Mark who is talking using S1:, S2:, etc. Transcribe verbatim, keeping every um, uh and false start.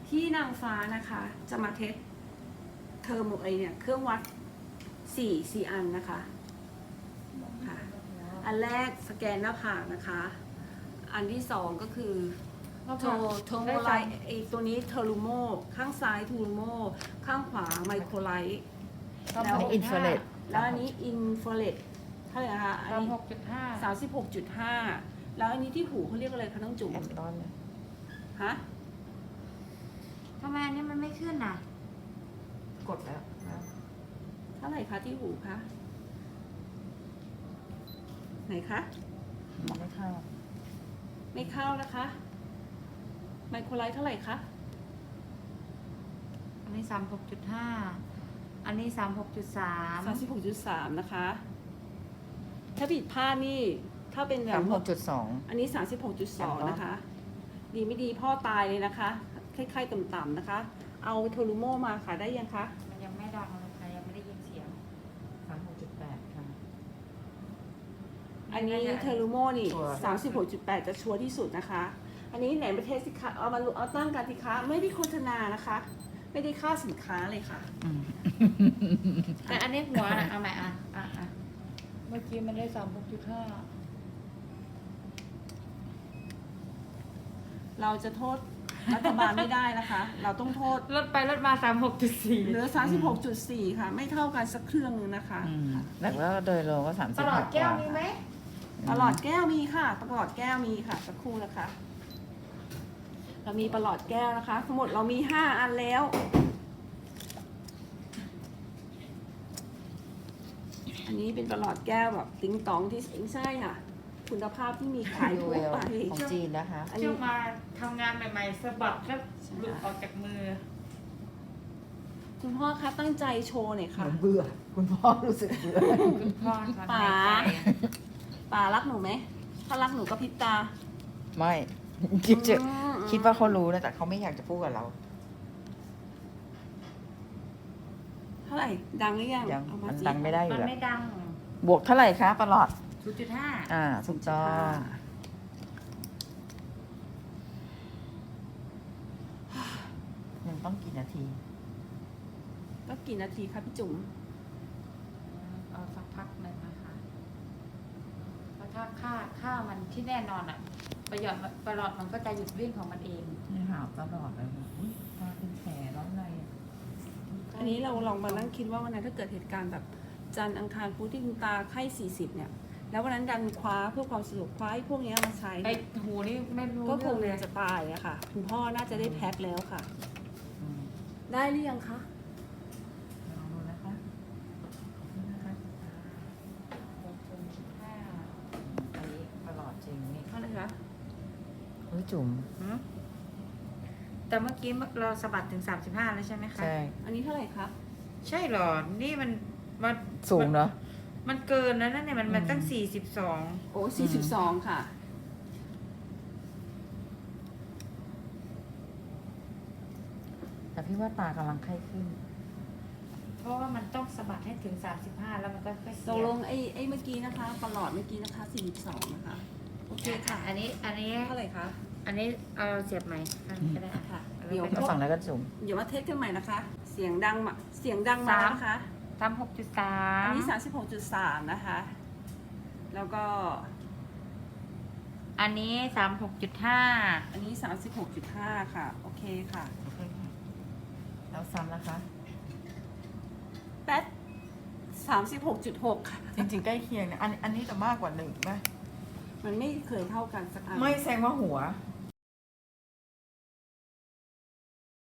S1: ที่นางฟ้านะคะจะมาเทสเทอร์โมไอเนี่ยเครื่องวัดสี่สี่อันนะคะค่ะอันแรกสแกนหน้าผากนะคะ อันที่สองก็คือโทโทโมไลท์ไอตัวนี้เทอรูโมข้างซ้ายทูรูโมข้างขวาไมโครไลท์แล้ว
S2: อินฟราเรด
S1: แล้วอันนี้อินฟราเรดเท่าไหร่นะคะอัน
S3: สาม
S1: นี้
S3: หกจุดห้า
S1: สามสิบหกจุดห้าแล้วอันนี้ที่หูเขาเรียกอะไรคะน้องจุ๋ม
S2: แอมตอน
S1: ฮะ
S3: ทำไมอันนี้มันไม่ขึ้นอ่ะ
S2: กดแล้วนะ
S1: เท่าไหร่คะที่หูคะไหนคะ
S2: มองไม่เข้า
S1: ไม่เข้านะคะไมโครไลท์เท่าไหร่คะ
S3: อันนี้สามหกจุดห้าอันนี้สามหกจุดสาม
S1: สามสิบหกจุดสามนะคะ ถ้าผิดพลาดนี่ถ้าเป็นแบ
S2: สา
S1: บ
S2: มหกจุดสอง
S1: อันนี้สามสิบหกจุดสองนะคะ ดีไม่ดีพ่อตายเลยนะคะคล้ายๆต่ำๆนะคะ เอาโทรูโมมาค่ะได้ยังคะ
S3: มันยังไม่ดังเลยค่ะยังไม่ได้ยินเสียง
S2: สามหกจุดแปดค่ะ
S1: อันนี้เทอรูโมนี่
S2: ชัวร์
S1: สามสิบหกจุดแปดจะชัวร์ที่สุดนะคะ อันนี้ไหนประเทศสิคะเอามาเอาตั้งกันสิคะไม่ได้โฆษณานะคะ ไม่ได้ค่าสินค้าเลยค่ะ
S3: แต่อันนี้หัวนะเอาใหม่อ่ะอ่ะอ่ะเมื่อกี้มันได้สามหกจุดห้า
S1: เราจะโทษรัฐบาลไม่ได้นะคะ เราต้องโทษ
S3: ลดไปลดมาสามหกจุดสี่
S1: เหลือ สามสิบหกจุดสี่ ค่ะ ไม่เท่ากันสักเครื่องนึงนะคะ
S2: อืมแต่ว่าโดยรวมก็สามสิบ
S3: ตลอดแก้วมีไหม
S1: ประหลอดแก้วมีค่ะประหลอดแก้วมีค่ะสักครู่นะคะ เรามีประหลอดแก้วนะคะ ทั้งหมดเรามีห้าอันแล้ว อันนี้เป็นประหลอดแก้วแบบติ๊งตองที่ไม่ใช่ค่ะ คุณภาพที่มีขาย
S2: ดู
S1: ทั่ว
S2: เวล
S1: ไป
S2: ของจีนนะคะ
S1: อัน
S3: ช่
S1: นี้
S3: วงมาทำงานใหม่ๆสะบัดแล้วหลุดออกจากมือ
S1: คุณพ่อคะตั้งใจโชว์หน่อย
S2: เห
S1: ค่ะ
S2: มือนเบื่อ คุณพ่อรู้สึกเบื่อ
S3: คุณพ่อถอน
S1: ป๋า
S3: หายใจ
S1: ป่ารักหนูไหมถ้ารักหนูก็พริบตา
S2: ไม่คิดจะ
S1: อืม
S2: คิดว่าเขารู้นะแต่เขาไม่อยากจะพูดกับเรา
S1: เท่าไหร่ดังหรือยัง
S2: ยัง
S1: เอาา
S2: มัน
S1: สิ
S2: ดังไม่ได้อ
S3: มั
S2: ยู่
S3: น
S2: แล้ว
S3: ไม่ดัง
S2: บวกเท่าไหร่คะประหลอด
S3: ศูนย์จุดห้า
S2: อ่าถูกต้องยังต้องกี่นาที
S1: ก็กี่นาทีคะพี่จุ๋ม
S3: เอาสักพักหนึ่งนะคะเพราะถ้าค่าค่ามันที่แน่นอนอ่ะ ประหยอดประหลอดมันก็จะหยุดวิ่งของมันเอง
S2: นี่หาวตลอดเลยอุ้ยตาเป็นแผลแล้วไง
S1: อันนี้เราลองมานั่งคิดว่าวันนั้นถ้าเกิดเหตุการณ์แบบจันทร์อังคารพุธที่คุณตาไข้สี่สิบเนี่ย แล้ววันนั้นดันคว้าเพื่อความสะดวกคว้าไอ้พวกเนี้ยมาใช้
S3: ไอ้หูนี่ไม่รู้
S1: ก็คง
S3: เรื่องเลย
S1: จะตายอะค่ะ คุณพ่อน่าจะได้แพ็คแล้วค่ะ
S2: อืม
S1: ได้หรือยังคะ
S2: ลองดูนะคะนี่นะคะ
S3: หกจุดห้า
S2: อันนี้ประหลอดจริงนี่
S1: เท่าไหร่คะ
S2: เฮ้ยจุ๋ม
S3: หืมแต่เมื่อกี้เราสะบัดถึงสามสิบห้าแล้วใช่ไหมคะ
S2: ใช่
S1: อันนี้เท่าไหร่คะ
S3: ใช่เหรอ นี่มันมัน
S2: สูงเนาะ
S3: มันเกินแล้วนั่นเนี่ยมันมันตั้ง
S2: อืม
S3: สี่สิบสอง
S1: โอ้สี่สิบสองค่ะ
S2: แต่พี่ว่าตากำลังไข้ขึ้น
S3: เพราะว่ามันต้องสะบัดให้ถึงสามสิบห้าแล้วมันก็ค่อยเสี
S1: ต
S3: ย
S1: กลงไอ้ไอ้เมื่อกี้นะคะประหลอดเมื่อกี้นะคะสี่สิบสองนะคะ โอเคค่ะ
S3: อันนี้อันนี้
S1: เท่าไหร่คะ
S3: อันนี้เอาเสียบไหมอันนี้ก็ได้อ่ะ
S1: ค่ะ
S3: อา
S1: เดี๋ยว
S3: ไป
S2: มาฝั่งนั้นก็จุ๋ม
S1: เดี๋ยวมาเทสกันใหม่นะคะ เสียงดังมาเสียงดังมานะคะ
S3: สามหกจุดสา
S1: อัน
S3: ม
S1: นี้สามสิบหกจุดสามนะคะ แล้วก็
S3: อันนี้สามหกจุดห้า
S1: อันนี้สามสิบหกจุดห้าค่ะ โอเคค่ะ
S2: โอเคค่ะแล้วซ้ำนะคะ
S1: แป๊ดสามสิบหกจุดหกค่ะ
S2: จริงๆใกล้เคียงนะอันอันนี้จะมากกว่าหนึ่งไหม
S1: มันไม่เคยเท่ากันสักอัน
S2: ไม่แซงว่าหัว